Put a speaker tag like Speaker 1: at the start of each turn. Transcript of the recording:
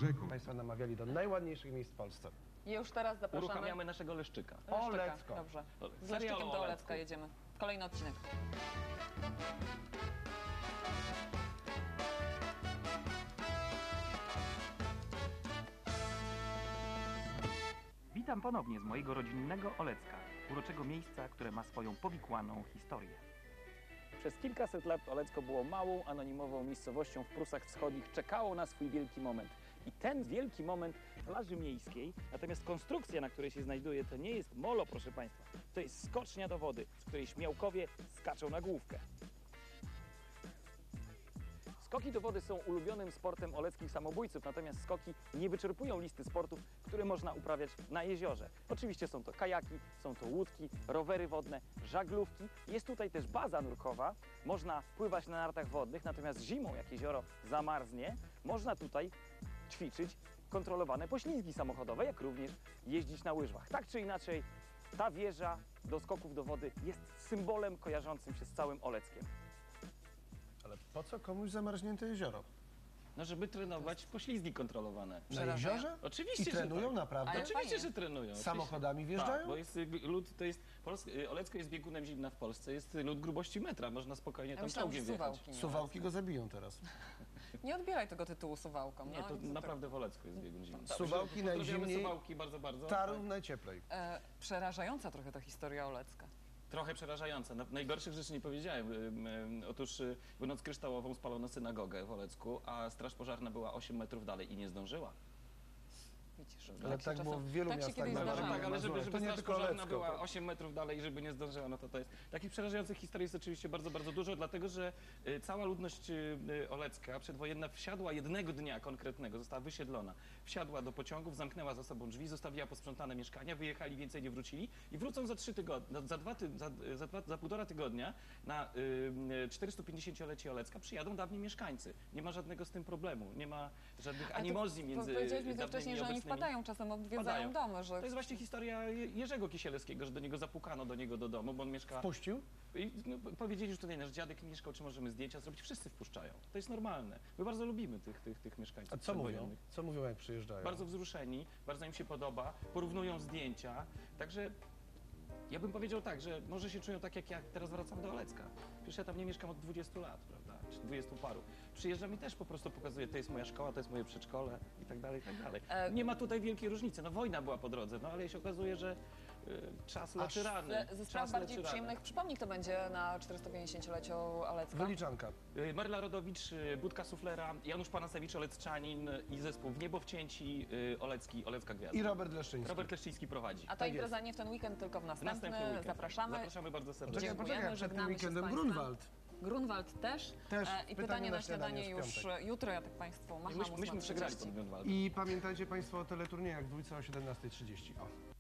Speaker 1: rzeką.
Speaker 2: Państwo namawiali do najładniejszych miejsc w Polsce.
Speaker 3: I już teraz zapraszamy.
Speaker 4: Uruchamiamy naszego Leszczyka.
Speaker 2: Olecko.
Speaker 3: Dobrze. Z
Speaker 4: Serial
Speaker 3: Leszczykiem
Speaker 4: o
Speaker 3: do
Speaker 4: Olecku.
Speaker 3: Olecka jedziemy. Kolejny odcinek.
Speaker 5: Witam ponownie z mojego rodzinnego Olecka, uroczego miejsca, które ma swoją powikłaną historię.
Speaker 4: Przez kilkaset lat Olecko było małą, anonimową miejscowością w Prusach Wschodnich. Czekało na swój wielki moment. I ten wielki moment plaży miejskiej, natomiast konstrukcja, na której się znajduje, to nie jest molo, proszę Państwa. To jest skocznia do wody, z której śmiałkowie skaczą na główkę. Skoki do wody są ulubionym sportem oleckich samobójców, natomiast skoki nie wyczerpują listy sportów, które można uprawiać na jeziorze. Oczywiście są to kajaki, są to łódki, rowery wodne, żaglówki. Jest tutaj też baza nurkowa, można pływać na nartach wodnych, natomiast zimą, jak jezioro zamarznie, można tutaj ćwiczyć kontrolowane poślizgi samochodowe, jak również jeździć na łyżwach. Tak czy inaczej, ta wieża do skoków do wody jest symbolem kojarzącym się z całym Oleckiem.
Speaker 2: Ale po co komuś zamarznięte jezioro?
Speaker 4: No, żeby trenować poślizgi kontrolowane.
Speaker 2: Na jeziorze?
Speaker 4: Oczywiście,
Speaker 2: I trenują
Speaker 4: że tak.
Speaker 2: naprawdę?
Speaker 3: Ale
Speaker 4: Oczywiście,
Speaker 3: fajnie.
Speaker 4: że trenują.
Speaker 2: Samochodami
Speaker 4: Oczywiście.
Speaker 2: wjeżdżają?
Speaker 4: Tak, bo jest lód, to jest Olecko jest biegunem zimna w Polsce, jest lód grubości metra, można spokojnie
Speaker 3: Ja
Speaker 4: tam
Speaker 3: myślałam, że
Speaker 4: czołgiem wjechać.
Speaker 3: Suwałki.
Speaker 2: Suwałki go zabiją teraz.
Speaker 3: Nie odbieraj tego tytułu Suwałkom.
Speaker 4: Nie,
Speaker 3: no.
Speaker 4: to
Speaker 3: I co
Speaker 4: naprawdę w Olecku jest biegun zimny.
Speaker 2: Suwałki
Speaker 4: Pozdrawiamy
Speaker 2: najzimniej,
Speaker 4: Suwałki bardzo, bardzo.
Speaker 2: Tarów najcieplej.
Speaker 3: Przerażająca trochę ta historia Olecka.
Speaker 4: Trochę przerażające. Najgorszych rzeczy nie powiedziałem. Otóż w noc kryształową spalono synagogę w Olecku, a straż pożarna była 8 metrów dalej i nie zdążyła.
Speaker 3: Widzisz,
Speaker 2: Ale
Speaker 3: się
Speaker 2: tak było w wielu
Speaker 3: tak się
Speaker 2: miastach
Speaker 3: kiedyś
Speaker 2: na
Speaker 4: No,
Speaker 3: zdarzało.
Speaker 4: tak, ale żeby
Speaker 2: To nie
Speaker 4: straż
Speaker 2: tylko
Speaker 4: pożarna
Speaker 2: Olecko.
Speaker 4: była 8 metrów dalej i żeby nie zdążyła, no to jest... Takich przerażających historii jest oczywiście bardzo, bardzo dużo, dlatego że cała ludność olecka przedwojenna wsiadła jednego dnia konkretnego, została wysiedlona, wsiadła do pociągów, zamknęła za sobą drzwi, zostawiła posprzątane mieszkania, wyjechali, więcej nie wrócili i wrócą za 3 tygodnie, za półtora tygodnia na 450-lecie Olecka przyjadą dawni mieszkańcy. Nie ma żadnego z tym problemu, nie ma żadnych animozji między
Speaker 3: Powiedziałeś mi to
Speaker 4: dawnymi
Speaker 3: wcześniej, że oni
Speaker 4: obecnymi.
Speaker 3: wpadają, czasem odwiedzają domy, że...
Speaker 4: To jest właśnie historia Jerzego Kisielewskiego, że do niego zapukano do domu, bo on mieszka...
Speaker 2: Puścił?
Speaker 4: I powiedzieli, że tutaj nasz dziadek mieszkał, czy możemy zdjęcia zrobić. Wszyscy wpuszczają. To jest normalne. My bardzo lubimy tych mieszkańców
Speaker 2: A co mówią?
Speaker 4: przedwojennych.
Speaker 2: Co mówią, jak przyjeżdżają?
Speaker 4: Bardzo wzruszeni, bardzo im się podoba, porównują zdjęcia. Także ja bym powiedział tak, że może się czują tak, jak ja teraz wracam do Olecka. Przecież ja tam nie mieszkam od 20 lat, prawda? Czy 20 paru. Przyjeżdżam i też po prostu pokazuję, to jest moja szkoła, to jest moje przedszkole i tak dalej, i tak dalej. Nie ma tutaj wielkiej różnicy. No wojna była po drodze, no ale się okazuje, że czas leczy rany.
Speaker 3: Ze spraw
Speaker 4: Czas
Speaker 3: bardziej
Speaker 4: leczy
Speaker 3: przyjemnych, przypomnij, kto będzie na 450-leciu Olecka.
Speaker 2: Wyliczanka.
Speaker 4: Marla Rodowicz, Budka Suflera, Janusz Panasewicz, Olecczanin i zespół W Niebo wcięci, Olecka Gwiazda.
Speaker 2: I Robert Leszczyński.
Speaker 4: Robert Leszczyński prowadzi.
Speaker 3: A ta impreza nie w ten weekend, tylko w następny.
Speaker 4: weekend.
Speaker 3: Zapraszamy.
Speaker 4: Zapraszamy bardzo serdecznie.
Speaker 3: Dziękujemy,
Speaker 2: Poczekaj, przed tym
Speaker 3: żegnamy się z
Speaker 2: weekendem
Speaker 3: państwem.
Speaker 2: Grunwald.
Speaker 3: Grunwald też.
Speaker 2: Też.
Speaker 3: I pytanie na śniadanie już
Speaker 2: w
Speaker 3: jutro, ja tak Państwu macham.
Speaker 4: Myśmy
Speaker 3: 8:30.
Speaker 4: przegrali pod Grunwaldem.
Speaker 2: I pamiętajcie Państwo o teleturniejach w dwójce o 17:30. O.